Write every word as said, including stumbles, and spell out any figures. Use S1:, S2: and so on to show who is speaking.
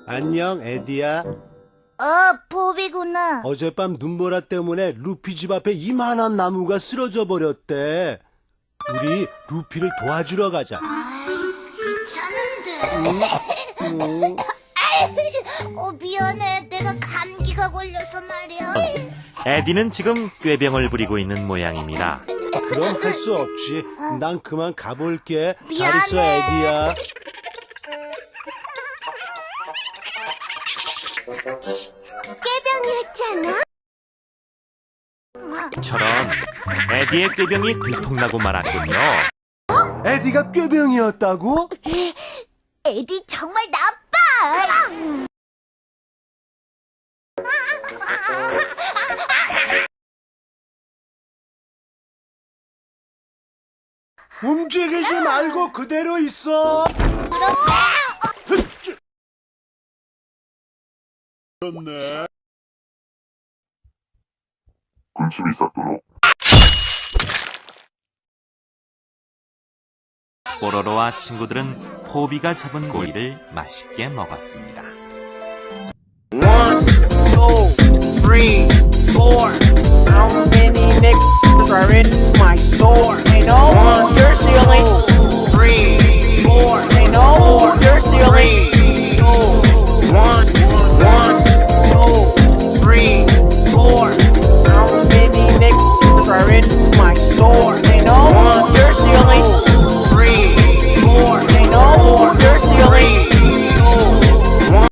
S1: 안녕, 에디야.
S2: 어, 포비구나.
S1: 어젯밤 눈보라 때문에 루피 집 앞에 이만한 나무가 쓰러져 버렸대. 우리 루피를 도와주러 가자.
S2: 귀찮은데.
S1: 음,
S2: 어, 미안해. 내가 감기가 걸려서 말이야.
S3: 에디는 지금 꾀병을 부리고 있는 모양입니다.
S1: 그럼 할 수 없지. 난 그만 가볼게. 잘
S2: 미안해.
S1: 있어, 에디야.
S2: 깨병이었잖아.
S3: 저런 에디의 꾀병이 들통나고 말았군요.
S1: 에디가 꾀병이었다고?
S2: 에디 정말 나빠.
S1: 움직이지 말고 그대로 있어. 그렇네.
S4: 군침이 싹도록
S3: 뽀로로와 친구들은 포비가 잡은 고기를 맛있게 먹었습니다.
S5: One, two, three, four. How many niggas?